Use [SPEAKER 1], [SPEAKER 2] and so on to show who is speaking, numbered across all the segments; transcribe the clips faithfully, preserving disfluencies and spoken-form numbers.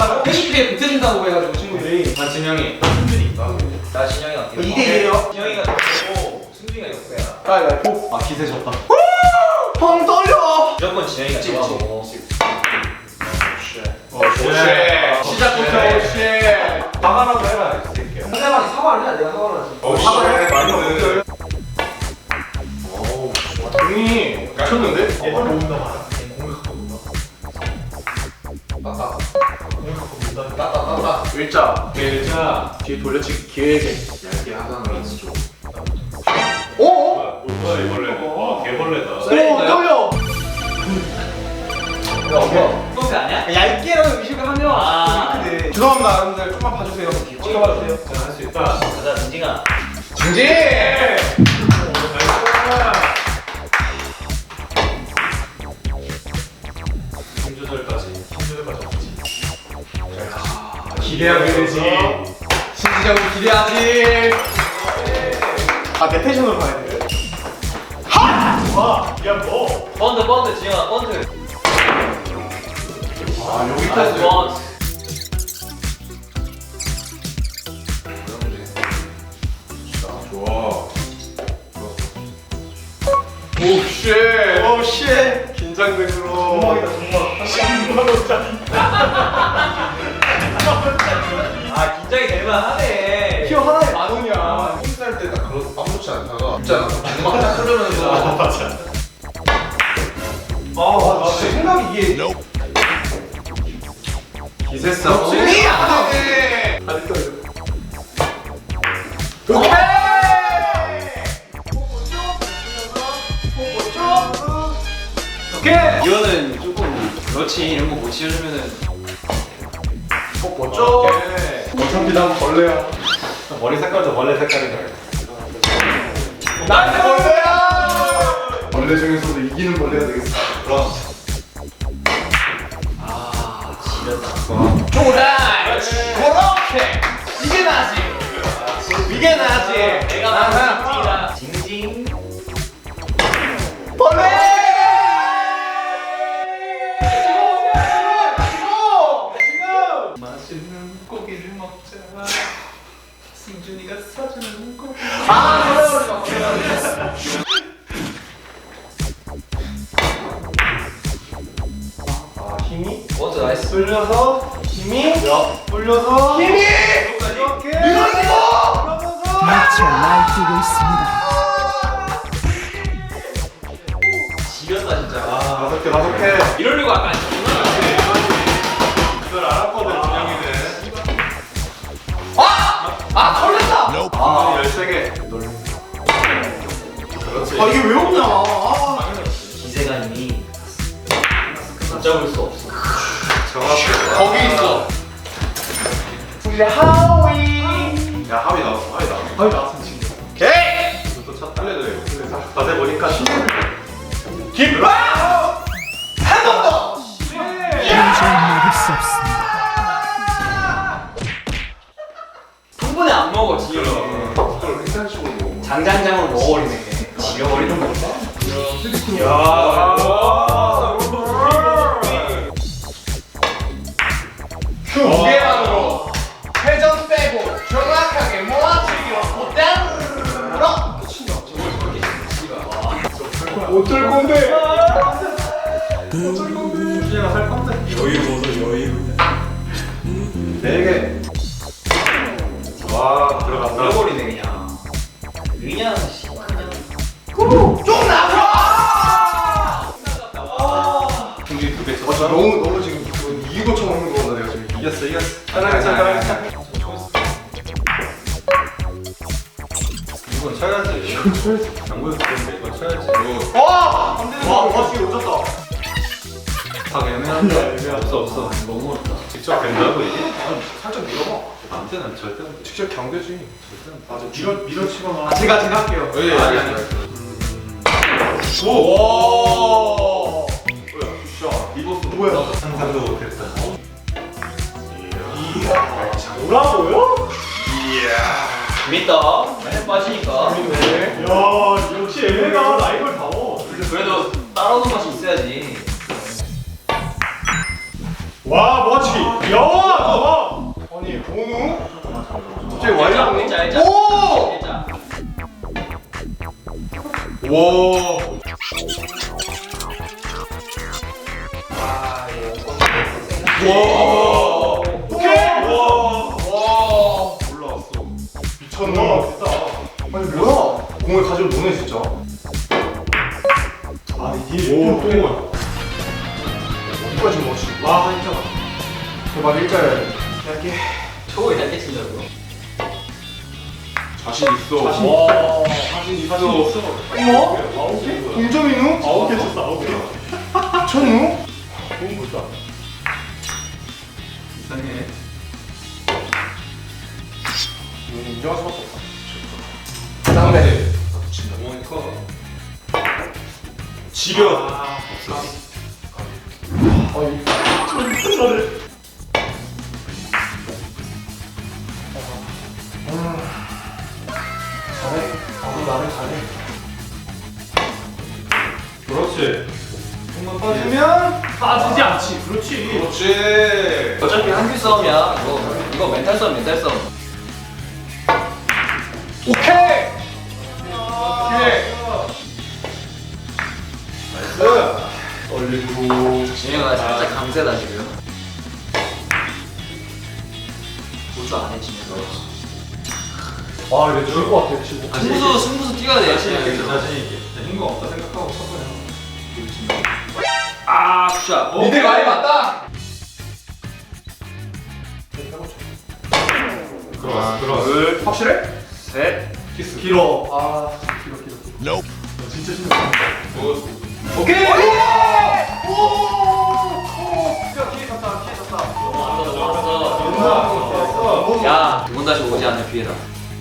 [SPEAKER 1] 막 회식비에 보태준다고 해가지고 친구들이.
[SPEAKER 2] 난 진영이, 승준이 있다.
[SPEAKER 3] 나 진영이가 어떻게?
[SPEAKER 1] 이 대 일이에요.
[SPEAKER 3] 진영이가 좋고 승준이가 역배야.
[SPEAKER 1] 가위바위보.
[SPEAKER 2] 아 기세 졌다.
[SPEAKER 1] 형 떨려.
[SPEAKER 3] 무조건 진영이가 좋아하고.
[SPEAKER 2] 오쉣.
[SPEAKER 1] 시작부터 오쉣.
[SPEAKER 2] 사과라도 해라 이 새끼야.
[SPEAKER 1] 상대방이 사과를 해야 내가 사과를 하지.
[SPEAKER 2] 어
[SPEAKER 1] 사과를
[SPEAKER 2] 쉣. 많이
[SPEAKER 1] 먹었어요.
[SPEAKER 2] 먹었어요. 어우 등이 미쳤는데?
[SPEAKER 4] 얘들 모은다 봐라. 공격하고 논다.
[SPEAKER 1] 따따.
[SPEAKER 4] 공격하고 논다.
[SPEAKER 1] 따따 따따.
[SPEAKER 2] 일자.
[SPEAKER 4] 일자.
[SPEAKER 2] 뒤에 돌려치기 기회게 얇게 하다는 연습 좀.
[SPEAKER 1] 오.
[SPEAKER 4] 뭐야 이벌레? 아 개벌레다.
[SPEAKER 1] 오 떨려.
[SPEAKER 3] 야 뭐? 소스 아니야?
[SPEAKER 1] 얇게라도 의식을 하면
[SPEAKER 3] 아.
[SPEAKER 1] 좀 이렇게 돼. 죄송합니다 여러분들 좀만 봐주세요. 찍어봐 주세요.
[SPEAKER 4] 할 수 있다.
[SPEAKER 3] 가자 민징아.
[SPEAKER 1] 중지.
[SPEAKER 4] 힘 조절까지. 힘 조절까지 없지.
[SPEAKER 1] 기대하게 되지. 신지정이 기대하지. 아 내 텐션으로 가야 돼.
[SPEAKER 4] 와, 야 뭐?
[SPEAKER 3] 번드 번드 진영아 번드.
[SPEAKER 2] 아
[SPEAKER 3] 나이스
[SPEAKER 2] 여기까지.
[SPEAKER 3] 번드.
[SPEAKER 2] 좋아.
[SPEAKER 1] 오쉣. 오쉣.
[SPEAKER 2] 긴장되므로.
[SPEAKER 4] 정막이다 정막. 십만 원짜리.
[SPEAKER 3] 아 긴장이 될만하네.
[SPEAKER 1] 키워 하나에 만 원이야.
[SPEAKER 2] 홈살 때딱 그런 아무렇지 않다가 진짜 음악 딱 흐르면서
[SPEAKER 4] 맞아.
[SPEAKER 1] 아 진짜 생각이 이게.
[SPEAKER 2] 기세 싸움.
[SPEAKER 1] 승리 안 돼.
[SPEAKER 2] 다리 떨려.
[SPEAKER 1] 오케이. 오케이.
[SPEAKER 3] 이거는 조금 그렇지 이런 거 못 지어주면은
[SPEAKER 1] 멋져.
[SPEAKER 2] 어차피 난 벌레야. 머리 색깔도 벌레 색깔인 거야.
[SPEAKER 1] 나이스 벌레야.
[SPEAKER 2] 벌레 중에서도 이기는 벌레가 되겠어. 그럼.
[SPEAKER 3] 아 지렸다.
[SPEAKER 1] 조다. 그렇게. 이게 나지. 이게 나지.
[SPEAKER 3] 내가
[SPEAKER 1] 아하.
[SPEAKER 3] 징징이다. 징징.
[SPEAKER 1] 벌레.
[SPEAKER 4] 맛있는 고기를 먹자. 승준이가 사주는 고기.
[SPEAKER 1] 아 벌레버리지 마.
[SPEAKER 2] 아 힘이
[SPEAKER 3] 번드 나이스.
[SPEAKER 1] 돌려서 힘이.
[SPEAKER 2] 돌려서
[SPEAKER 1] 힘이.
[SPEAKER 2] 이렇게.
[SPEAKER 1] 밀어주고.
[SPEAKER 5] 마치 날뛰고 있습니다.
[SPEAKER 3] 지렸다 진짜. 아.
[SPEAKER 2] 다섯 개 다섯 개.
[SPEAKER 3] 이러려고 아까 안 쳤구나.
[SPEAKER 4] 그걸 알았거든 준영이는.
[SPEAKER 1] 아 걸렸다.
[SPEAKER 2] 아 열세 개. 그렇지.
[SPEAKER 1] 아 이게 왜 없냐. 아.
[SPEAKER 3] 기세가님이 붙잡을 수 없어.
[SPEAKER 2] 정확해.
[SPEAKER 1] 거기 있어. 이제 하위.
[SPEAKER 2] 야 하위 나왔어. 하위 나왔어.
[SPEAKER 1] 하위 나왔으면 지금. 오케이.
[SPEAKER 2] 또 첫 달려도 돼. 자세 보니까
[SPEAKER 1] 김밥. 한번 더.
[SPEAKER 5] 도저히 막을 수 없습니다.
[SPEAKER 3] 한 번에 안 먹어 지금.
[SPEAKER 2] 그걸 횡단식으로 먹어.
[SPEAKER 3] 장장장으로 먹어버리네. 지려버리는 건가?
[SPEAKER 2] 야.
[SPEAKER 1] 그 무게만으로 회전 빼고 정확하게 모아치기로 고땅으로.
[SPEAKER 2] 어쩔 건데?
[SPEAKER 1] 준영아 살 건데.
[SPEAKER 4] 여유 보소 여유.
[SPEAKER 2] 네 개. 와 들어갔다.
[SPEAKER 3] 잃어버리네 그냥. 그냥 씨, 그냥.
[SPEAKER 1] 좀 나가.
[SPEAKER 2] 중지 두개 쳤어. 너무 너무 지금 그거 이기고 쳐먹는 거보다 내가 지금 이겼어 이겼어.
[SPEAKER 1] 잘하겠어, 잘하겠어.
[SPEAKER 2] 이건 쳐야지. 이건 쳐야지. 장구였을 텐데 이건 쳐야지. 이거
[SPEAKER 1] 와. 안 되는
[SPEAKER 2] 와,
[SPEAKER 1] 거.
[SPEAKER 2] 와, 지금 오졌다. 다 애매한데. 없어, 없어. 너무 어렵다. 직접 된다고 이게?
[SPEAKER 1] 살짝 밀어봐.
[SPEAKER 2] 안 되나? 절대 안 돼. 직접 경되지. 절대 안 돼.
[SPEAKER 4] 맞아. 밀어 밀어치거나.
[SPEAKER 1] 아 제가 제가 할게요.
[SPEAKER 2] 예, 예,
[SPEAKER 1] 아니,
[SPEAKER 2] 예.
[SPEAKER 1] 아니.
[SPEAKER 2] 오!
[SPEAKER 1] 오.
[SPEAKER 2] 뭐야? 굿샷. 리버스.
[SPEAKER 1] 뭐야?
[SPEAKER 2] 상상도 못했다.
[SPEAKER 4] 뭐라고요?
[SPEAKER 3] 재밌다. 맨날 빠지니까.
[SPEAKER 1] 네.
[SPEAKER 4] 야 역시 애매가 라이벌 다워.
[SPEAKER 3] 그래도 따라오는 맛이 있어야지.
[SPEAKER 4] 와 멋지. 야
[SPEAKER 1] 갑자기 와이라고?
[SPEAKER 3] 일자 일자.
[SPEAKER 1] 오!
[SPEAKER 3] 일자.
[SPEAKER 1] 와. 와. 오케이. 와. 와. 올라왔어. 미쳤나? 아니 뭐야? 공을 가지고 노네 진짜.
[SPEAKER 4] 아 이게 오 또.
[SPEAKER 1] 어디까지 멋지?
[SPEAKER 4] 와 진짜.
[SPEAKER 1] 제발 일자야. 얇게.
[SPEAKER 3] 저거 얇게 친다고요?
[SPEAKER 1] 자신 있어.
[SPEAKER 4] 자신
[SPEAKER 1] 와.
[SPEAKER 4] 자신 있어. 자신 있어.
[SPEAKER 1] 어머?
[SPEAKER 4] 아홉 개?
[SPEAKER 1] 동점이누?
[SPEAKER 4] 아홉 개 쳤어 아홉 개.
[SPEAKER 1] 미쳤누?
[SPEAKER 4] 너무 멋있다.
[SPEAKER 2] 이상해.
[SPEAKER 1] 이건 인정할 수밖에 없다. 쌍대.
[SPEAKER 2] 어머니 커.
[SPEAKER 4] 지려.
[SPEAKER 1] 아, 이
[SPEAKER 4] 저를.
[SPEAKER 1] 잘해. 아, 나를 잘해.
[SPEAKER 2] 그렇지.
[SPEAKER 4] 공만 빠지면 빠지지 않지. 그렇지.
[SPEAKER 1] 그렇지.
[SPEAKER 3] 어차피 한큐 싸움이야. 이거 이거 멘탈 싸움 멘탈 싸움.
[SPEAKER 1] 오케이. 오케이. 나이스.
[SPEAKER 4] 얼리고.
[SPEAKER 3] 진영아 살짝 강세다 지금. 보조 안 해 진영아.
[SPEAKER 1] 와, 이거 죽을 것 같아, 지금.
[SPEAKER 3] 승부수 승부수 뛰어야 돼.
[SPEAKER 2] 자신 있게
[SPEAKER 3] 진영아.
[SPEAKER 2] 자신 있게. 힘거 없다 생각하고 쳐버려.
[SPEAKER 3] 아 굿샷.
[SPEAKER 1] 니네 많이 맞다.
[SPEAKER 2] 들어왔어 들어왔어.
[SPEAKER 1] 둘, 확실해?
[SPEAKER 3] 셋.
[SPEAKER 2] 키스.
[SPEAKER 1] 길어. 아, 길어, 길어.
[SPEAKER 4] 너 진짜 신나.
[SPEAKER 1] 오케이. 오!
[SPEAKER 3] 야, 두 번 다시 오지 않는 기회다.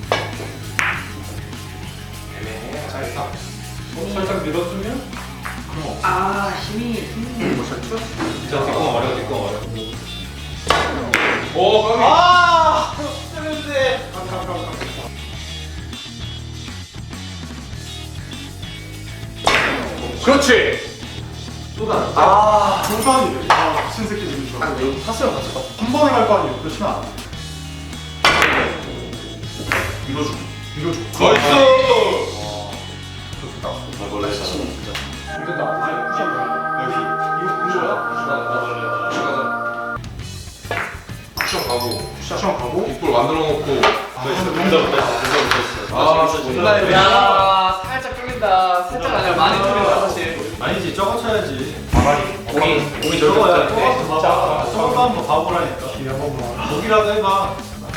[SPEAKER 1] 잘했다.
[SPEAKER 2] 살짝 밀어주면.
[SPEAKER 3] 아, 힘이 힘이.
[SPEAKER 2] 진짜 뒷공 어려 뒷공 어려.
[SPEAKER 1] 오, 까비.
[SPEAKER 3] 아,
[SPEAKER 1] 그렇지.
[SPEAKER 4] 쏟아.
[SPEAKER 1] 아,
[SPEAKER 4] 중간이래. 아 미친 새끼들 이거.
[SPEAKER 1] 아, 이거 탔으면 갔을 것 같아.
[SPEAKER 4] 한 번에 갈 거 아니에요. 그렇지는 않아.
[SPEAKER 1] 밀어주기.
[SPEAKER 4] 밀어줘.
[SPEAKER 1] 나이스.
[SPEAKER 4] 이거 나 아예 푸시한 거야. 여기 이거 뭐야?
[SPEAKER 1] 쿠션 가고,
[SPEAKER 4] 푸시한 가고.
[SPEAKER 1] 뒷볼 만들어 놓고.
[SPEAKER 4] 아 근데 문다
[SPEAKER 1] 아, 존나 애매해.
[SPEAKER 3] 야, 살짝 뚫린다. 살짝 아니라 많이 뚫린다 사실.
[SPEAKER 2] 아니지 저거 쳐야지.
[SPEAKER 3] 공이
[SPEAKER 2] 공이
[SPEAKER 4] 저거야.
[SPEAKER 2] 저거야.
[SPEAKER 4] 저거 봐봐. 저거 한번 봐보라니까. 이 한번 봐.
[SPEAKER 2] 거기라도 해봐.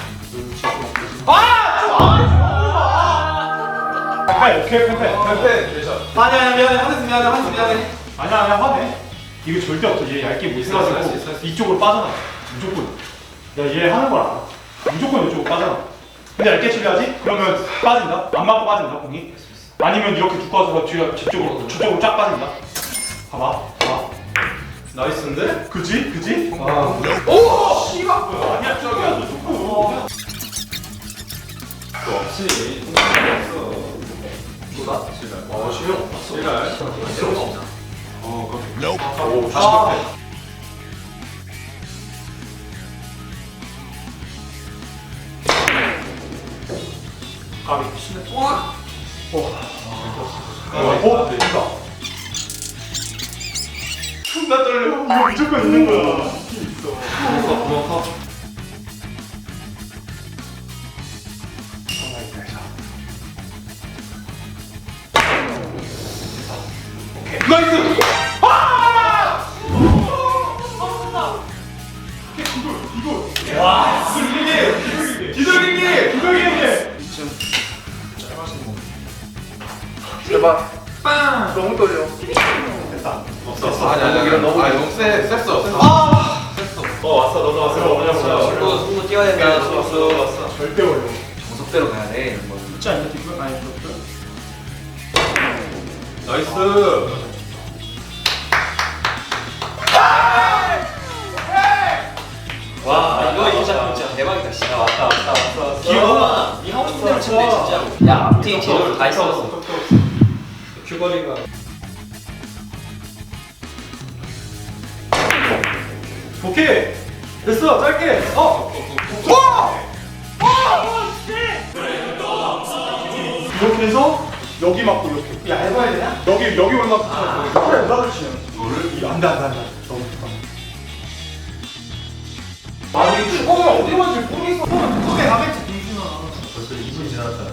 [SPEAKER 4] 펜펜 오케이 펜펜.
[SPEAKER 1] 펜펜, 괜찮아.
[SPEAKER 3] 아니야, 미안해. 한스 미안해. 한스 미안해.
[SPEAKER 4] 아니야 아니야 화내. 이거 절대 없어. 얘 얇게 못
[SPEAKER 2] 있어, 있어, 있어,
[SPEAKER 4] 써가지고
[SPEAKER 2] 있어.
[SPEAKER 4] 이쪽으로 빠져나. 무조건. 야 얘 하는 걸 알아. 무조건 이쪽으로 빠져나. 근데 얇게 치려야지. 그러면 빠진다. 안 맞고 빠진다 공이. 아니면 이렇게 두꺼워서 뒤가 저쪽으로 저쪽으로 쫙 빠진다. 봐봐. 봐봐.
[SPEAKER 2] 나이스인데?
[SPEAKER 4] 그지? 그지?
[SPEAKER 2] 아.
[SPEAKER 1] 오, 씨발.
[SPEAKER 4] 아니야 저기야 너 좋고.
[SPEAKER 2] 또 없지. 없어.
[SPEAKER 3] 누가?
[SPEAKER 2] 지랄.
[SPEAKER 1] 어, 실력.
[SPEAKER 2] 지랄.
[SPEAKER 3] 필요가 없나?
[SPEAKER 2] 어 그럼.
[SPEAKER 1] 오, 다시
[SPEAKER 4] 아.
[SPEAKER 1] 펜펜.
[SPEAKER 4] 까비.
[SPEAKER 3] 와.
[SPEAKER 4] 어? 된다. 존나 떨려. 이거 무조건 있는 거야. 있긴 있어.
[SPEAKER 2] 구멍 구멍 커.
[SPEAKER 1] 나이스.
[SPEAKER 4] 와.
[SPEAKER 1] 기돌리기.
[SPEAKER 4] 기돌리기.
[SPEAKER 1] 제발.
[SPEAKER 3] 빵.
[SPEAKER 1] 너무 떨려.
[SPEAKER 4] 됐다.
[SPEAKER 2] 없었어.
[SPEAKER 1] 아니, 아니, 이런 너무 너무 세, 셌어.
[SPEAKER 2] 어 왔어 너도 왔어.
[SPEAKER 4] 그래,
[SPEAKER 2] 왔어.
[SPEAKER 3] 승부 승부 뛰어야 된다.
[SPEAKER 2] 왔어
[SPEAKER 3] 승부.
[SPEAKER 2] 왔어.
[SPEAKER 4] 절대 어려워.
[SPEAKER 3] 정석대로 가야 돼. 이런 거는.
[SPEAKER 4] 있지 않냐 뒷면? 아니 그렇죠.
[SPEAKER 2] 나이스.
[SPEAKER 3] 와, 이거 진짜 진짜 대박이다. 진짜 왔다 왔다 왔다 왔어.
[SPEAKER 4] 귀여워.
[SPEAKER 3] 이 하고 싶은 대로 치면 돼 진짜로. 야, 앞뒤 재료를 다 있었어.
[SPEAKER 2] 큐거리가.
[SPEAKER 4] 오케이. 됐어. 짧게. 어.
[SPEAKER 1] 와! 와!
[SPEAKER 4] 여기 맞고 이렇게. 야 해봐야 되냐? 여기 여기 올라가. 아, 그래 올라가 치면. 이거를 안돼 안돼 안돼. 너무 좋다. 아니 축구는 어디 맞지 모르겠어. 그게 가겠지 김준아.
[SPEAKER 2] 벌써 이 분 지났잖아.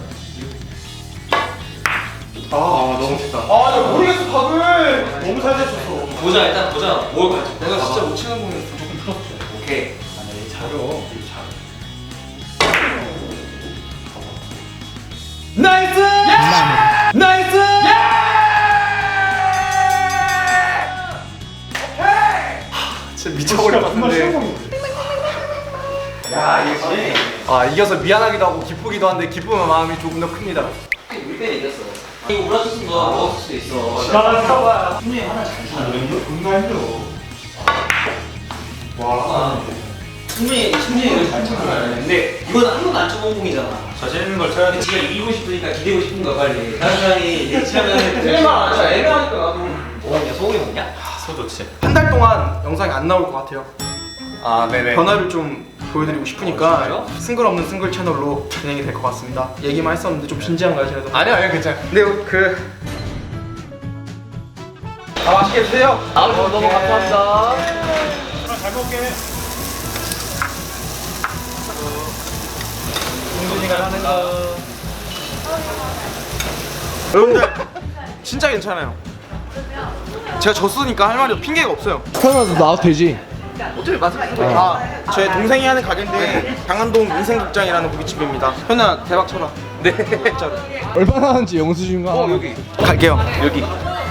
[SPEAKER 4] 아, 아 너무 쉽다. 아, 나 모르겠어 각을. 너무 잘 됐었어.
[SPEAKER 3] 보자 일단 보자. 뭘 가져?
[SPEAKER 1] 내가 진짜 못 치는 공이었어.
[SPEAKER 4] 조금 풀었지.
[SPEAKER 3] 오케이.
[SPEAKER 4] 아니 잘어.
[SPEAKER 3] 나이스!
[SPEAKER 5] 마무리.
[SPEAKER 3] 나이스!
[SPEAKER 1] 진짜 미쳐버릴 것 같은데. 야 이게 아 이겨서 미안하기도 하고 기쁘기도 한데 기쁨의 마음이 조금 더 큽니다.
[SPEAKER 3] 우리 때 이겼어. 이거 우라투스 거 먹었을 수도 있어.
[SPEAKER 4] 시간을 써봐야.
[SPEAKER 3] 분명히 하나 잘 차.
[SPEAKER 4] 존나 힘들어. 와.
[SPEAKER 3] 충분히 충분히 이걸 잘 쳤구나. 근데 이건 한 번도 안 쳐본 공이잖아.
[SPEAKER 2] 자신 있는 걸 쳐야 돼.
[SPEAKER 3] 지가 이기고 싶으니까 기대고 싶은 거야 빨리. 다른 사람이 예치하면
[SPEAKER 1] 틀리면 진짜 애매하니까
[SPEAKER 3] 나도. 어, 야 소고기 먹냐?
[SPEAKER 2] 소 좋지.
[SPEAKER 1] 한 달 동안 영상이 안 나올 것 같아요.
[SPEAKER 2] 아 네네.
[SPEAKER 1] 변화를 좀 보여드리고 싶으니까
[SPEAKER 3] 어,
[SPEAKER 1] 승글 없는 승글 채널로 진행이 될 것 같습니다. 얘기만 했었는데 좀 진지한가요, 제가?
[SPEAKER 2] 아니야 아니야 괜찮아.
[SPEAKER 1] 근데 그 아, 맛있게 드세요.
[SPEAKER 3] 아 너무 감사합니다.
[SPEAKER 4] 그럼 잘 먹게.
[SPEAKER 3] 동준이가 하는 거.
[SPEAKER 1] 여러분들 진짜 괜찮아요. 제가 졌으니까 할 말이 핑계가 없어요.
[SPEAKER 6] 태어나서 나와도 되지.
[SPEAKER 1] 어차피 맛을 아, 제 동생이 하는 가게인데 강한동 민생국장이라는 고깃집입니다. 현아 대박 쳐라. 네, 진짜로.
[SPEAKER 6] 얼마나 하는지 영수증 가.
[SPEAKER 1] 어 여기 갈게요. 여기.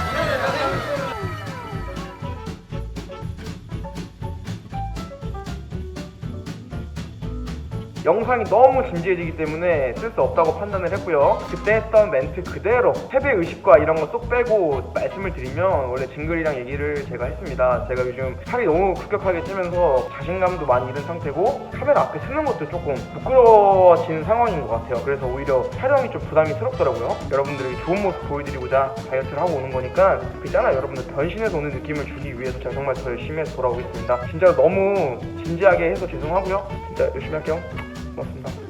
[SPEAKER 1] 영상이 너무 진지해지기 때문에 쓸 수 없다고 판단을 했고요. 그때 했던 멘트 그대로 패배 의식과 이런 거 쏙 빼고 말씀을 드리면 원래 징글이랑 얘기를 제가 했습니다. 제가 요즘 살이 너무 급격하게 찌면서 자신감도 많이 잃은 상태고 카메라 앞에 서는 것도 조금 부끄러워지는 상황인 것 같아요. 그래서 오히려 촬영이 좀 부담이스럽더라고요. 여러분들에게 좋은 모습 보여드리고자 다이어트를 하고 오는 거니까 그 있잖아요. 여러분들 변신해서 오는 느낌을 주기 위해서 제가 정말 더 열심히 해서 돌아오겠습니다. 진짜 너무 진지하게 해서 죄송하고요. 진짜 열심히 할게요. 고맙습니다.